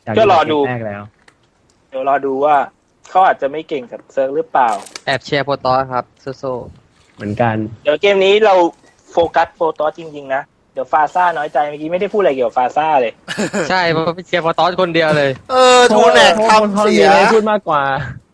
ก็รอดูแรกแล้วเดี๋ยวรอดูว่าเขาอาจจะไม่เก่งกับเซิร์ฟหรือเปล่าแอบเชียร์โปรตอสครับโซเหมือนกันเดี๋ยวเกมนี้เราโฟกัสโฟตอสจริงๆนะเดี๋ยวฟาซ่าน้อยใจเมื่อกี้ไม่ได้พูดอะไรเกี่ยวกับฟาซ่าเลยใช่เพราะเชียร์โปรตอสคนเดียวเลยทูแนกทำเสียมีอะไรพูดมากกว่า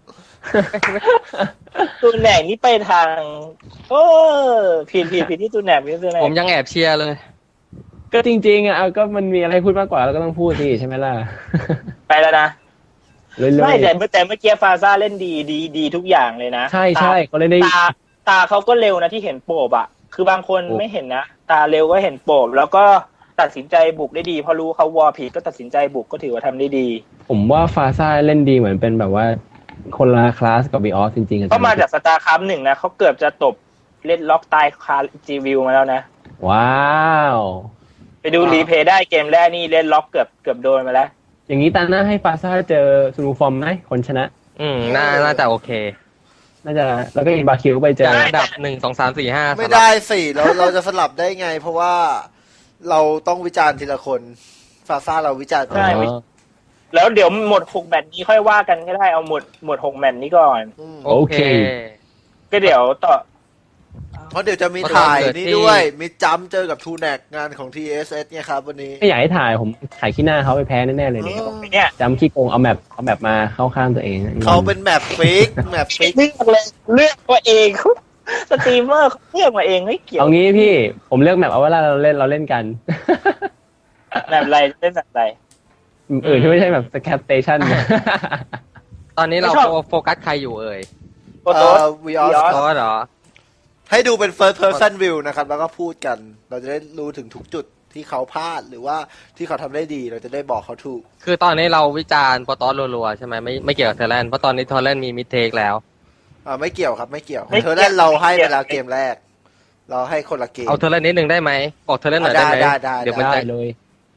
ตูนแหนกนี่ไปทางโอ้ผิดที่ตูนแหนกผมยังแอบเชียร์เลยก็จริงๆอ่ะก็มันมีอะไรพูดมากกว่าเราก็ต้องพูดสิใช่ไหมล่ะไปแล้วนะเรื่อยๆไม่แต่เมื่อกี้ฟาซ่าเล่นดีทุกอย่างเลยนะใช่เขาเล่นได้ตาเขาก็เร็วนะที่เห็นโปบอ่ะคือบางคนไม่เห็นนะตาเร็วก็เห็นโปบแล้วก็ตัดสินใจบุกได้ดีพอรู้เขาวอร์ผิดก็ตัดสินใจบุกก็ถือว่าทำได้ดีผมว่าฟาซ่าเล่นดีเหมือนเป็นแบบว่าคนละคลาสกับวีออสจริงๆก็มาจากสตาร์คัพ1นะเขาเกือบจะตบเล่นล็อกตายคาจีวิวมาแล้วนะว้าวไปดูรีเพย์ได้เกมแรกนี่เล่นล็อกเกือบโดนมาแล้วอย่างนี้ตาหน้าให้ฟาซ่าเจอซูนูฟอร์มไหมคนชนะน่าจะโอเคน่าจะแล้วก็อินบาคิวไปเจอจากอันดับ1 2 3 4 5 ไม่ได้สิเราจะสลับได้ไง เพราะว่าเราต้องวิจารณ์ทีละคนฟาซ่าเราวิจารณ์ใช่ แล้วเดี๋ยวหมด6แมตช์นี้ค่อยว่ากันก็ได้เอาหมด6แมตช์นี้ก่อนโอเคก็เดี๋ยวต่อเพราะเดี๋ยวจะมีถ่ายนี่ด้วยมีจัมเจอกับทูแนกงานของ TSS เนี่ยครับวันนี้ไม่อยากให้ถ่ายผมถ่ายขี้หน้าเขาไปแพ้แน่ๆเลยเนี่ยเนี่ยจำขี้โกงเอาแมปมาเข้าข้างตัวเองเขาเป็นแมปฟิกเลือกมาเองสตรีมเมอร์เขาเลือกมาเองไม่เกี่ยวเอางี้พี่ผมเลือกแมปเอาเวลาเราเล่นกันแบบไรเล่นแบบไรที่ไม่ใช่แบบสแคปสเตชันตอนนี้เราโฟกัสใครอยู่เอ่ยโปรโตสวีออสโปรตอสเหรอให้ดูเป็น first person view นะครับแล้วก็พูดกัน เราจะได้รู้ถึงทุกจุดที่เขาพลาดหรือว่าที่เขาทำได้ดีเราจะได้บอกเขาถูกคือตอนนี้เราวิจารณ์โปรตอสรัวๆใช่ไหมไม่เกี่ยวกับเทเลนเพราะตอนนี้เทเลนมีมิดเทคแล้วไม่เกี่ยวครับไม่เกี่ยวเธอเล่นเราให้ไปแล้วเกมแรก เราให้คนละเกมเอาเทเลนนิดนึงได้ไหมบอกเทเลนหน่อยได้ไหมได้เดี๋ยวมันได้จะเลย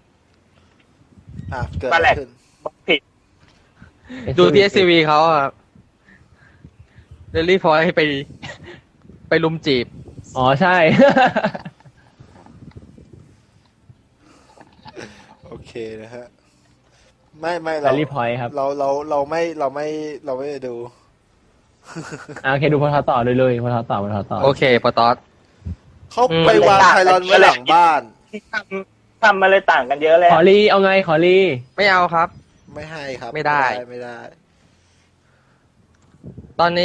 เกิดอะไรขึ้นผิดดูที่ SCV เขาอะเดลี่พอยให้ไปลุมจีบอ๋อใช่โอเคนะฮะไม่แรลลี่พอยต์ครับเราไม่ดูโอเคดูพอทอต่อเลยพอทอต่อโอเคโปรตอสเขาไปวางไพลอนไว้หลังบ้านที่ทำมาเลยต่างกันเยอะเลยขอรีเอาไงขอรีไม่เอาครับไม่ให้ครับไม่ได้ไม่ได้ตอนนี้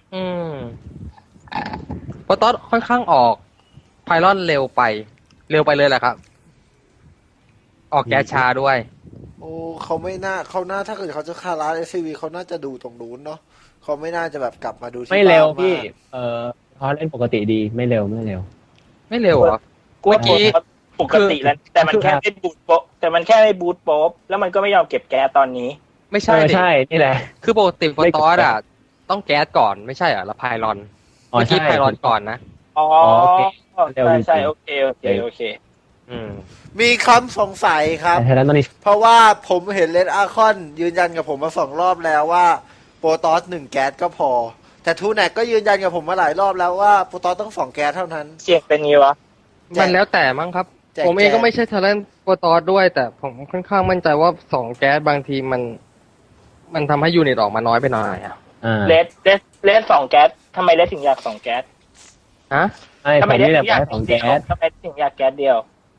โปรตอสค่อนข้างออกไพลอนเร็วไปเลยแหละครับ ออกแก๊สชาด้วยโอ้เขาน่าถ้าเกิดเขาจะคาร้าน SCV เขาน่าจะดูตรงนู้นเนาะเขาไม่น่าจะแบบกลับมาดูที่ไม่เร็วบ้านพี่มากพอเล่นปกติดีไม่เร็วไม่เร็วเหรอเมื่อกี้ปกติแล้วแต่มันแค่ไม่บูทโป๊ะแต่มันแค่ไม่บูทโป๊ะแล้วมันก็ไม่ยอมเก็บแก๊สตอนนี้ไม่ใช่ดิใช่นี่แหละคือปกติโปรตอสอ่ะต้องแก๊สก่อนไม่ใช่เหรอแล้วไพลอนอ๋อเมื่อกี้ใช่ไพลอนก่อนนะอ๋อโอเคเร็วจริงๆใช่โอเคมีคำสงสัยครับแต่ไทยแลนด์ตอนนี้เพราะว่าผมเห็นเลดอาคอนยืนยันกับผมมา2 รอบแล้วว่าโปรตอส1 แก๊สก็พอ แต่ทูแนกก็ยืนยันกับผมมาหลายรอบแล้วว่าโปรตอสต้อง2 แก๊สเท่านั้นเสียงเป็นงี้วะมันแล้วแต่มั้งครับแจกผมเองก็ไม่ใช่เทเลนโปรตอสด้วย แต่ผมค่อนข้างมั่นใจว่า2 แก๊สบางทีมันทำให้ยูนิตออกมาน้อยไปหน่อยอ่ะเลส2 แก๊สทำไมเลสถึงอยาก2 แก๊สฮะไอ้ผมนี่แหละให้ของแก๊สทำไมถึงอยากแก๊สเดียว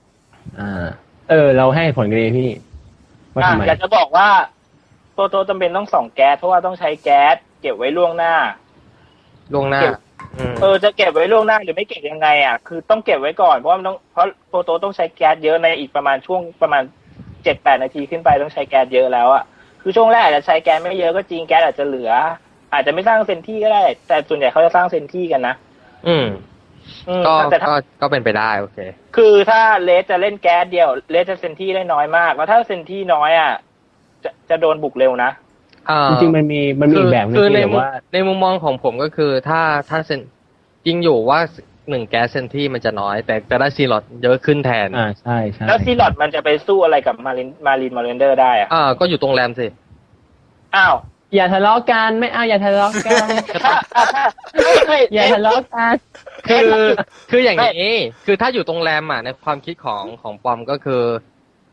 เราให้ผลกันเลยพี่ว่าทำไมอยากจะบอกว่าโตจำเป็นต้อง2 แก๊สเพราะว่าต้องใช้แก๊สเก็บไว้ล่วงหน้า จะเก็บไว้ล่วงหน้าหรือไม่เก็บยังไงอ่ะคือต้องเก็บไว้ก่อนเพราะโปรโตต้องใช้แก๊สเยอะในอีกประมาณช่วงประมาณ 7-8 นาทีขึ้นไปต้องใช้แก๊สเยอะแล้วอ่ะคือช่วงแรกอาจจะใช้แก๊สไม่เยอะก็จริงแก๊สอาจจะเหลือ อาจจะไม่สร้างเซนที่ก็ได้ แต่ส่วนใหญ่เขาจะสร้างเซนที่กันนะก็เป็นไปได้โอเคคือถ้าเลสจะเล่นแก๊สเดียวเลสจะเซนที่ได้น้อยมากแล้วถ้าเซนที่น้อยอ่ะจะโดนบุกเร็วนะจริงๆมันมีอีกแบบนึงที่แบบว่าในมุมมองของผมก็คือถ้าเซนจริงอยู่ว่า1 แก๊สเซนที่มันจะน้อยแต่จะได้ซีลอดเยอะขึ้นแทนใช่แล้วซีลอดมันจะไปสู้อะไรกับมารินเดอร์ได้อ่ะก็อยู่ตรงแรมสิอ้าวอย่าทะเลาะกันไม่เอาอย่าทะเลาะกันอย่าทะเลาะกันคืออย่างนี้คือถ้าอยู่ตรงแรมอ่ะในความคิดของปอมก็คือ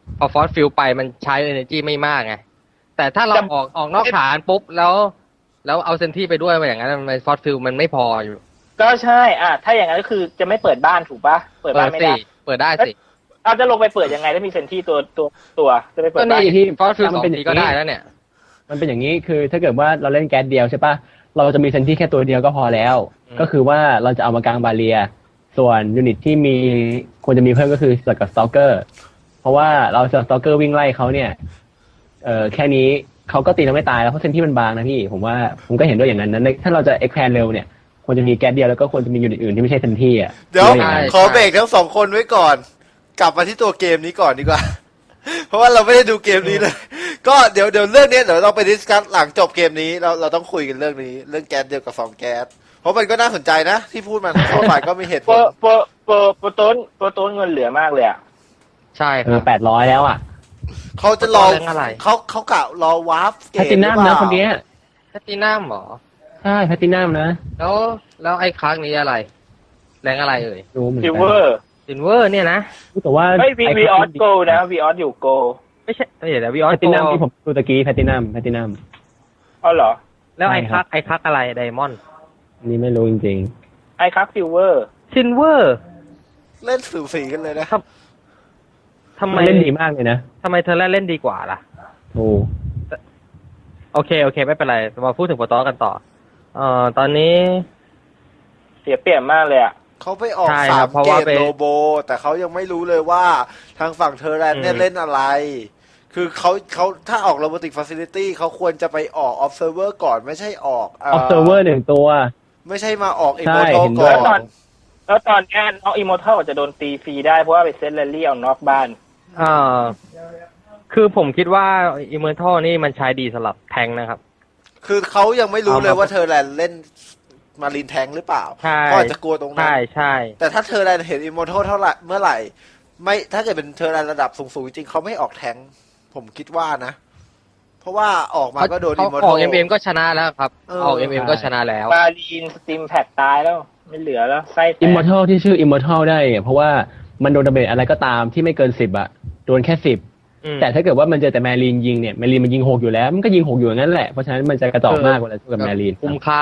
พอฟอสฟิลไปมันใช้ energy ไม่มากไงแต่ถ้าเราออกนอกฐานปุ๊บแล้วเอาเซนที่ไปด้วยอย่างนั้นมันฟอสฟิลมันไม่พออยู่ก็ใช่ถ้าอย่างนั้นก็คือจะไม่เปิดบ้านถูกปะเปิดบ้านไม่ได้เปิดได้สิเอาจะลงไปเปิดยังไงถ้ามีเซนที่ตัวจะไปเปิก็ดบ้านนี่ที่ฟอสฟิลมัน 2 เป็นอย่างทีก็นี้ได้แล้วเนี่ยมันเป็นอย่างนี้คือถ้าเกิดว่าเราเล่นแก๊สเดียวใช่ปะเราจะมีเซนที่แค่ตัวเดียวก็พอแล้ว ก็คือว่าเราจะเอามากลางบาเรียส่วนยูนิตที่มีควรจะมีเพิ่มก็คือสกับสตอกเกอร์เพราะว่าเราสตอกเกอร์วิ่งไล่เขาเนี่ยแค่นี้เขาก็ตีเราไม่ตายแล้วเพราะเซนที่มันบางนะพี่ผมก็เห็นด้วยอย่างนั้นนะถ้าเราจะเอ็กแพนเร็วเนี่ยควรจะมีแก๊สเดียวแล้วก็ควรจะมียูนิตอื่นที่ไม่ใช่เซนที่อ่ะเดี๋ยวใช่ขอเบรกทั้งสองคนไว้ก่อน กลับมาที่ตัวเกมนี้ก่อนดีกว่า เพราะว่าเราไม่ได้ดูเกมนี้เลย ก็เดี๋ยวเรื่องนี้เดี๋ยวเราไปดิสคัสหลังจบเกมนี้เราต้องคุยกันเรื่องนี้เรื่องแก๊สเดียวกับ2แก๊สเพราะมันก็น่าสนใจนะที่พูดมาทั้งสองฝ่ายก็มีเหตุผลโปรต้นเงินเหลือมากเลยอ่ะใช่ครับ 800แล้วอ่ะเขาจะรอเรื่องอะไรเขากะรอวาร์ปเกแพมตตินัมนะคนเนี้ยแพตตินัมหรอใช่แพตตินัมนะแล้วไอ้ครั้งนี้อะไร แรงอะไรเอ่ยรู้เหมือนซิกัลเวอร์ซินเวอร์เนี่ยนะแต่ว่าเฮ้ยวีออสโกนะวีออสอยู่โกไม่ใช่เดี๋ยววิออแพสตตินัมที่ผมดูตะกี้แพตตินัมอ๋อเหรอแล้วไอ้ใช่คครัรับ กไอ้คักอะไรไดมอนด์อันนี้ไม่รู้จริงไอคักซิลเวอร์ซินเวอร์เล่นสูสีกันเลยนะทำๆไมมันเล่นดีมากเลยนะทำไมเธอเล่นดีกว่าล่ะถูกโอเคไม่เป็นไรมาพูดถึงโปรตอกันต่อตอนนี้เสียเปรียบมากเลยอ่ะเขาไปออกใช่คสารัมบเพราะเกว่าตไปโลโบ แต่เขายังไม่รู้เลยว่าทางฝั่งเทอร์แลนด์เนี่ยอืมเล่นอะไร คือเขาถ้าออก Robotic Facility เขาควรจะไปออก Observer ก่อนไม่ใช่ออก observer 1 ตัวไม่ใช่มาออกใช่ Immortal เห็นด้ก่วยอนแล้วตอนนี้น้องอิมมอร์ทัลจะโดนตีฟรีได้เพราะว่าไปเซตแรลลี่เอานอกบ้านคือผมคิดว่าอิมเมอร์ทัลนี่มันใช้ดีสำหรับแทงค์นะครับคือเขายังไม่รู้เลยเอามาว่าเทอร์แลนด์เล่นมารีนแทงหรือเปล่าใช่ก็อาจจะกลัวตรงนั้นใช่แต่ถ้าเทอร์แลนด์เห็น Immortal เท่าไหร่เมื่อไหร่ ไม่ถ้าเกิดเป็นเทอร์แลนด์ระดับสูงๆจริงๆเขาไม่ออกแทงผมคิดว่านะ เพราะว่าออกมาก็โดนเขา Immortal ออกMM ก็ชนะแล้วครับเออออก MM ก็ชนะแล้วมารีนสติมแพดตายแล้ว ไม่เหลือแล้วไส้แตก immortal ที่ชื่อ immortal ได้เนี่ยเพราะว่ามันโดนดาเมจอะไรก็ตามที่ไม่เกิน10อะโดนแค่10แต่ถ้าเกิดว่ามันเจอแต่แมรีนยิงเนี่ยแมรีนมันยิง6อยู่แล้วมันก็ยิง6อยู่อย่างนั้นแหละเพราะฉะนั้นมันจะกระจอกมากเวลาสู้กับแมรีนคุ้มค่า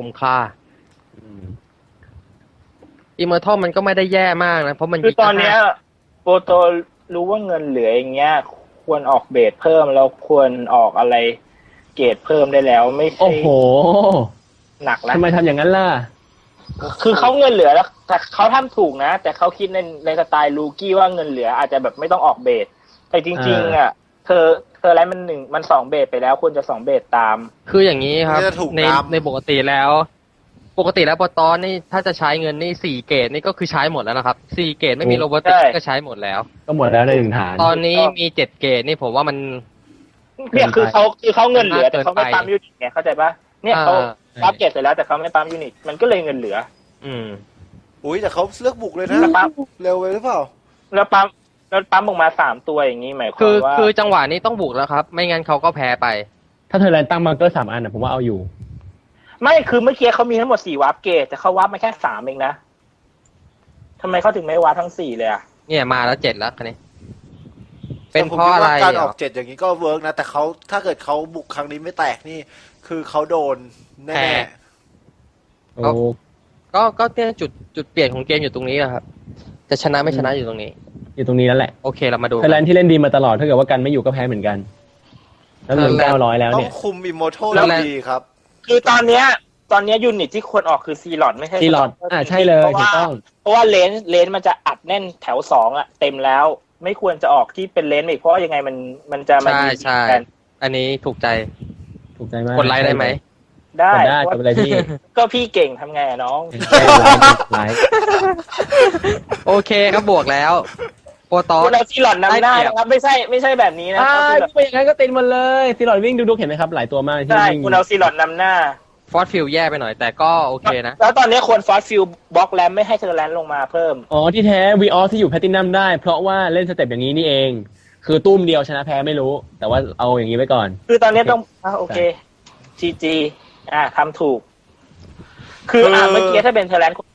อิมเมอร์ทัลมันก็ไม่ได้แย่มากนะเพราะมันคือตอนเนี้ยโปรโตรู้ว่าเงินเหลืออย่างเงี้ย ควรออกเบสเพิ่มแล้วควรออกอะไรเกรดเพิ่มได้แล้วไม่ใช่โอ้โหหนักแล้วทำไมทำอย่างนั้นล่ะคือเขาเงินเหลือแล้วแต่เขาทำถูกนะ แต่เขาคิดในสไตล์ลูกี้ว่าเงินเหลืออาจจะแบบไม่ต้องออกเบสแต่จริงๆอ่ะเธออะไรมัน2เบสไปแล้วควรจะ2เบสตามคืออย่างนี้ครับไม่ได้ถูกในตามในปกติแล้วโปรตอนนี่ถ้าจะใช้เงินนี่4เกตนี่ก็คือใช้หมดแล้วนะครับ4เกตไม่มีโรบอติกก็ใช้หมดแล้วก็หมดแล้วใน1 ฐานตอนนี้มี7เกตนี่ผมว่ามันเนี่ยคือเขาเงินเหลือเกิแต่นไปเขาไม่ปั๊มยูนิตไงเข้าใจปะเนี่ยเขาปั๊มเกรดเสร็จแล้วแต่เขาไม่ปั๊มยูนิตมันก็เลยเงินเหลืออุ้ยแต่เขาเลือกบุกเลยนะแล้วปั๊มเร็วไปหรือเปล่าแล้วปั๊มออกมา3ตัวอย่างนี้หมายควาคืมอว่าคือจังหวะนี้ต้องบุกแล้วครับ ไม่งั้นเขาก็แพ้ไปถ้าเธอแลนตั้งมาร์เกอร์3 อันนะผมว่าเอาอยู่ไม่คือเมื่อกี้เขามีทั้งหมด4วาร์ปเกตแต่เขาวาร์ปมาแค่3เองนะทำไมเขาถึงไม่วาร์ปทั้ง4เลยอ่ะเนี่ยมาแล้ว7แล้วคันนี้แต่เป็นเพราะอะไรผมคิดว่าการเหรอออก7อย่างนี้ก็เวิร์กนะ แต่เขาถ้าเกิดเขาบุกครั้งนี้ไม่แตกนี่ คือเขาโดนแน่แพ้โอ้ก็เนี่ยจุดเปลี่ยนของเกมอยู่ตรงนี้อะครับ จะชนะไม่ชนะอยู่ตรงนี้อยู่ตรงนี้แล้วแหละโอเคเรามาดูเธอแลนที่เล่นดีมาตลอดถ้าเกิดว่ากันไม่อยู่ก็แพ้เหมือนกันแล้วเงิน900แล้วๆต้อเนี่งยคุมอิมมอร์ทัลดีครับคือตอนเนี้ยยูนิตที่ควรออกคือซีลอดไม่ใช่ซีลอดใช่เลยถูกต้องเพราะว่าเลนมันจะอัดแน่นแถว2อ่ะเต็มแล้ว ไม่ควรจะออกที่เป็นเลนอีกเพราะยังไงมันจะมาใช่กันอันนี้ถูกใจถูกใจมากกดไลค์ได้ไหมได้กดได้กดไปเลยพี่ก็พี่เก่งทำไงอะน้องไลค์โอเคครับบวกแล้ว โปรตอคุนณเอาซีลอดนำหน้านะครับไม่ใช่แบบนี้นะไปอย่างนั้นก็ติดหมดเลยซีลอดวิ่งดูเห็นไหมครับหลายตัวมากที่ใช่วิ่งคุณเอาซีลอดนำหน้าฟอสฟิลแย่ไปหน่อยแต่ก็โอเคนะแล้วตอนนี้ควรฟอสฟิลบล็อกแรมไม่ให้เธอแลนลงมาเพิ่มอ๋อที่แท้วีออสที่อยู่แพตตินัมได้ เพราะว่าเล่นสเต็ปอย่างนี้นี่เอง คือตุ้มเดียวชนะแพ้ไม่รู้ แต่ว่าเอาอย่างนี้ไว้ก่อนคือตอนนี้ต้องโอเค GG ทำถูก คือเมื่อกี้ถ้าเป็นเทอร์แลนด์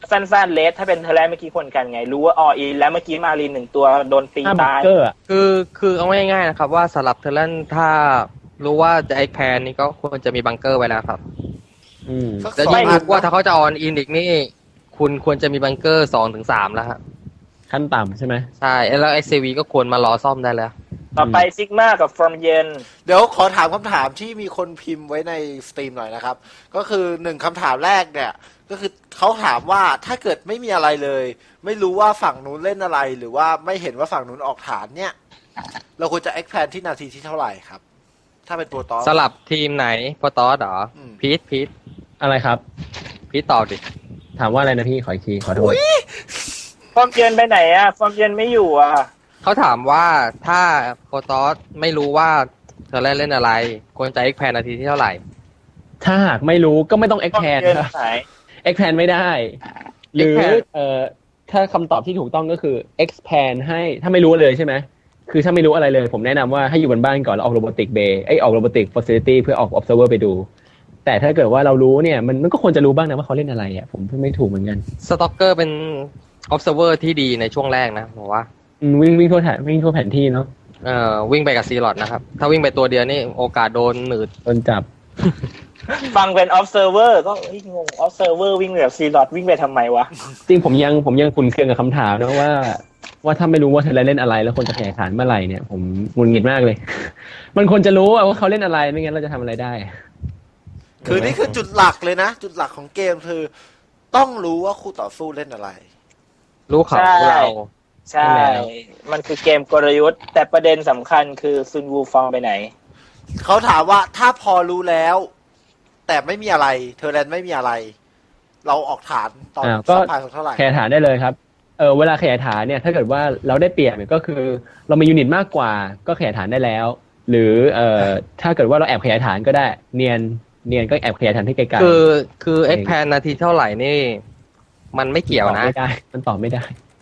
สั้นๆเลสถ้าเป็นเทอร์แรกเมื่อกี้คนกันไงรู้ว่าออินแล้วเมื่อกี้มารีน1 ตัวโดนตีถ้าบัตาง ยเกอร์อะคือเอาง่ายๆนะครับว่าสำหรับเทเลนถ้ารู้ว่าจะไอแพนนี่ก็ควรจะมีบังเกอร์ไว้แล้วครับอืมสักแล้วสองยิ่งอันรู้ว่าถ้าเขาจะออนอินอีกนี่ คุณควรจะมีบังเกอร์2 ถึง 3แล้วครับขั้นต่ำใช่ไหมใช่แล้ว XCV ก็ควรมารอซ่อมได้แล้วต่อไปซิกมากับฟอร์มเย็นเดี๋ยวขอถามคำถามที่มีคนพิมพ์ไว้ในสตรีมหน่อยนะครับ ก็คือ1คำถามแรกเนี่ยก็คือเขาถามว่าถ้าเกิดไม่มีอะไรเลย ไม่รู้ว่าฝั่งนู้นเล่นอะไร หรือว่าไม่เห็นว่าฝั่งนู้นออกฐานเนี่ย เราควรจะ expand ที่นาทีที่เท่าไหร่ครับ ถ้าเป็นโปรตอสสลับทีมไหนโปรตอสเหรออืมพีทอะไรครับตอบดิถามว่าอะไรนะพี่ขออีกทีขอโทษฟอร์มเย็นไปไหนอ่ะฟอร์มเย็นไม่อยู่อ่ะเขาถามว่าถ้าโปรตอสไม่รู้ว่าเธอเล่นอะไร ควรจะ X แพนนาทีที่เท่าไหร่ถ้าหากไม่รู้ก็ไม่ต้องฟอร์ม expand เย็นครับหาย expand ไม่ได้ หรือ expand ถ้าคำตอบที่ถูกต้องก็คือ expand ให้ถ้าไม่รู้เลยใช่ไหมคือถ้าไม่รู้อะไรเลย ผมแนะนำว่าให้อยู่บนบ้านก่อนแล้วออก robotic bay ออก robotic facility เพื่อออก observer ไปดู แต่ถ้าเกิดว่าเรารู้เนี่ยมันก็ควรจะรู้บ้างนะว่าเขาเล่นอะไรอ่ะผมไม่ถูกเหมือนกันสต็อกเกอร์เป็น observer ที่ดีในช่วงแรกนะผมว่าวิ่งทั่วแผนที่เนาะวิ่งไปกับซีลอดนะครับ ถ้าวิ่งไปตัวเดียวนี่โอกาสโดนหนืดโดนจับฟังเป็น observer ก็เฮ้ยงง observer วิ่งแบบซีลอดวิ่งไปทำไมวะจริงผมยังขุ่นเคืองกับคำถามนะว่าถ้าไม่รู้ว่าเธอเล่นอะไรแล้วคนจะแข่งขันเมื่อไหร่เนี่ยผมหงุดหงิดมากเลย มันควรจะรู้ว่าเขาเล่นอะไรไม่งั้นเราจะทำอะไรได้คือนี่คือจุดหลักเลยนะ จุดหลักของเกมคือ ต้องรู้ว่าคู่ต่อสู้เล่นอะไรรู้เขาใช่รู้เราใช่ มันคือเกมกลยุทธ์ แต่ประเด็นสำคัญคือซุนวูฟองไปไหนเขาถามว่าถ้าพอรู้แล้ว แต่ไม่มีอะไรเทอร์แลนด์ไม่มีอะไร เราออกฐานตอนก็สัมพันธ์เท่าไหร่ขยายฐานได้เลยครับเวลาขยายฐานเนี่ยถ้าเกิดว่าเราได้เปรียบเนี่ยก็คือเรามียูนิตมากกว่าก็ขยายฐานได้แล้ว หรือถ้าเกิดว่าเราแอบขยายฐานก็ได้เนียนก็แอบขยายฐานที่ไกลๆคือ X แพนนาทีเท่าไหร่นี่ มันไม่เกี่ยวนะมันตอบไม่ได้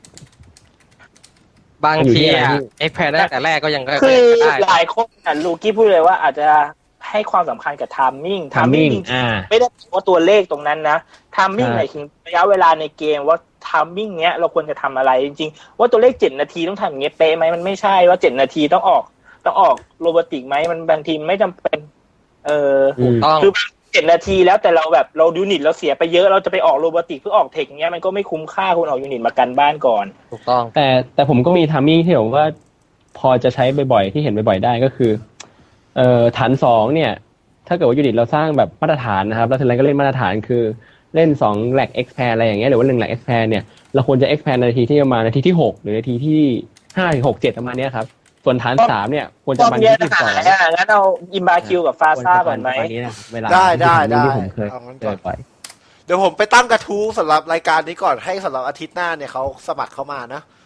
บางทีอะอยู่ที่อะไร X แพนตั้งแต่แรกก็ยังคือได้หลายคนลูกี้พูดเลยว่าอาจจะให้ความสำคัญกับ timing timing จริงๆไม่ได้แปลว่าตัวเลขตรงนั้นนะ timing หมายถึงระยะเวลาในเกมว่า timing เนี้ยเราควรจะทำอะไรจริงๆว่าตัวเลข7 นาทีต้องทำอย่างเงี้ยเป๊ะไหมมันไม่ใช่ว่า7 นาทีต้องออกโรบอติกไหมมันบางทีไม่จำเป็นถูกต้องคือ7 นาทีแล้วแต่เราแบบเรายูนิตเราเสียไปเยอะเราจะไปออกโรบอติกเพื่อออกเทคเงี้ยมันก็ไม่คุ้มค่าคุณออกยูนิตมากันบ้านก่อนถูกต้องแต่ผมก็มีทามมิ่งที่ผมว่าพอจะใช้บ่อยๆที่เห็นบ่อยๆได้ก็คือฐาน2เนี่ยถ้าเกิดว่ายูนิตเราสร้างแบบมาตรฐานนะครับแล้วทีนั้นก็เล่นมาตรฐานคือเล่น2แหลก expand อะไรอย่างเงี้ยหรือว่า1แหลก expand เนี่ยเราควรจะ expand นาทีที่ประมาณนาทีที่6หรือนาทีที่5ถึง6 7ประมาณเนี้ยครับส่วนฐาน3เนี่ยควรจะมานาทีที่12 งั้นเอาอิมบาคิวกับฟาซ่าก่อนไหมได้ที่ผมเคยเอางั้นเจก่อนอไปเดี๋ยวผมไปตั้งกระทู้สำหรับรายการนี้ก่อนให้สำหรับอาทิตย์หน้าเนี่ยเขาสมัครเข้ามานะ